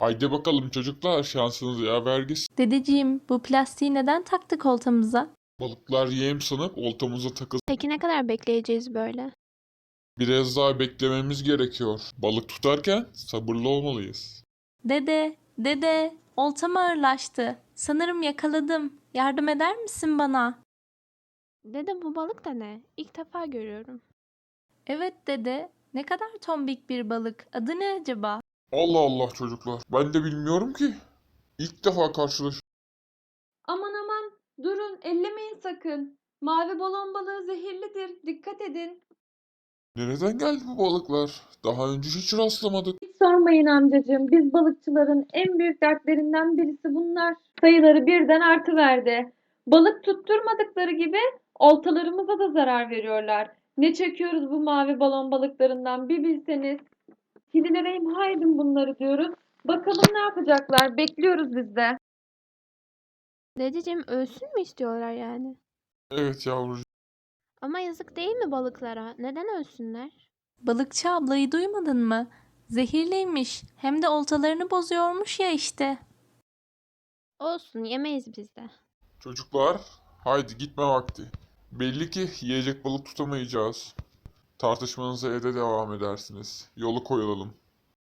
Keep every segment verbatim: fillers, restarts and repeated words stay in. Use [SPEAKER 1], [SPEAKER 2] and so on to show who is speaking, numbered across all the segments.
[SPEAKER 1] Haydi bakalım çocuklar, şansınız yaver gitsin.
[SPEAKER 2] Dedeciğim, bu plastiği neden taktık oltamıza?
[SPEAKER 1] Balıklar yem sanıp oltamıza takılsın.
[SPEAKER 3] Peki ne kadar bekleyeceğiz böyle?
[SPEAKER 1] Biraz daha beklememiz gerekiyor. Balık tutarken sabırlı olmalıyız.
[SPEAKER 2] Dede, dede, oltam ağırlaştı. Sanırım yakaladım. Yardım eder misin bana?
[SPEAKER 3] Dede bu balık da ne? İlk defa görüyorum.
[SPEAKER 2] Evet dede, ne kadar tombik bir balık. Adı ne acaba?
[SPEAKER 1] Allah Allah çocuklar, ben de bilmiyorum ki. İlk defa karşılaşıyorum.
[SPEAKER 4] Aman aman, durun, ellemeyin sakın. Mavi balon balığı zehirlidir, dikkat edin.
[SPEAKER 1] Nereden geldi bu balıklar? Daha önce hiç rastlamadık.
[SPEAKER 4] Hiç sormayın amcacığım, biz balıkçıların en büyük dertlerinden birisi bunlar. Sayıları birden artıverdi. Balık tutturmadıkları gibi oltalarımıza da zarar veriyorlar. Ne çekiyoruz bu mavi balon balıklarından bir bilseniz. Kedilere imha edin bunları diyoruz. Bakalım ne yapacaklar, bekliyoruz biz de.
[SPEAKER 3] Dedeciğim ölsün mü istiyorlar yani?
[SPEAKER 1] Evet yavrucuğum.
[SPEAKER 3] Ama yazık değil mi balıklara? Neden ölsünler?
[SPEAKER 2] Balıkçı ablayı duymadın mı? Zehirliymiş. Hem de oltalarını bozuyormuş ya işte.
[SPEAKER 3] Olsun yemeyiz biz de.
[SPEAKER 1] Çocuklar, haydi gitme vakti. Belli ki yiyecek balık tutamayacağız. Tartışmanıza evde devam edersiniz. Yolu koyulalım.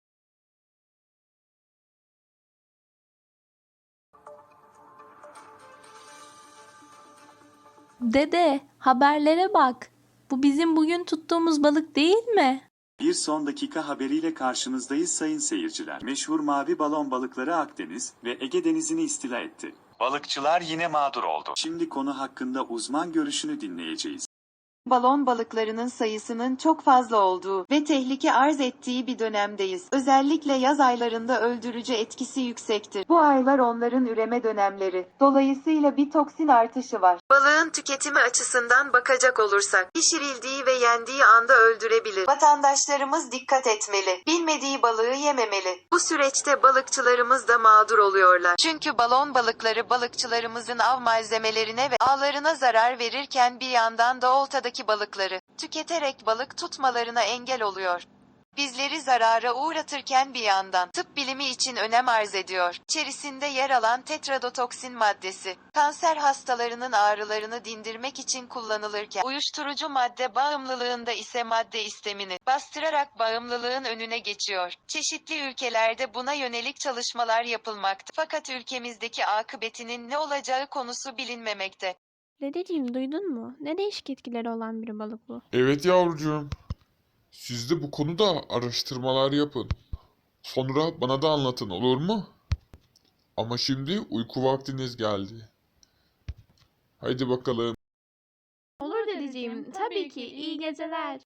[SPEAKER 2] Dede, haberlere bak. Bu bizim bugün tuttuğumuz balık değil mi?
[SPEAKER 5] Bir son dakika haberiyle karşınızdayız sayın seyirciler. Meşhur mavi balon balıkları Akdeniz ve Ege Denizi'ni istila etti. Balıkçılar yine mağdur oldu. Şimdi konu hakkında uzman görüşünü dinleyeceğiz.
[SPEAKER 6] Balon balıklarının sayısının çok fazla olduğu ve tehlike arz ettiği bir dönemdeyiz. Özellikle yaz aylarında öldürücü etkisi yüksektir. Bu aylar onların üreme dönemleri. Dolayısıyla bir toksin artışı var. Balığın tüketimi açısından bakacak olursak, pişirildiği ve yendiği anda öldürebilir. Vatandaşlarımız dikkat etmeli. Bilmediği balığı yememeli. Bu süreçte balıkçılarımız da mağdur oluyorlar. Çünkü balon balıkları balıkçılarımızın av malzemelerine ve ağlarına zarar verirken bir yandan da oltadaki balıkları tüketerek balık tutmalarına engel oluyor. Bizleri zarara uğratırken bir yandan tıp bilimi için önem arz ediyor. İçerisinde yer alan tetradotoksin maddesi, kanser hastalarının ağrılarını dindirmek için kullanılırken, uyuşturucu madde bağımlılığında ise madde istemini bastırarak bağımlılığın önüne geçiyor. Çeşitli ülkelerde buna yönelik çalışmalar yapılmakta. Fakat ülkemizdeki akıbetinin ne olacağı konusu bilinmemekte.
[SPEAKER 3] Dedeciğim duydun mu? Ne değişik etkileri olan bir balık bu.
[SPEAKER 1] Evet yavrucuğum. Siz de bu konuda araştırmalar yapın. Sonra bana da anlatın, olur mu? Ama şimdi uyku vaktiniz geldi. Haydi bakalım.
[SPEAKER 3] Olur dedeciğim, tabii ki. İyi geceler.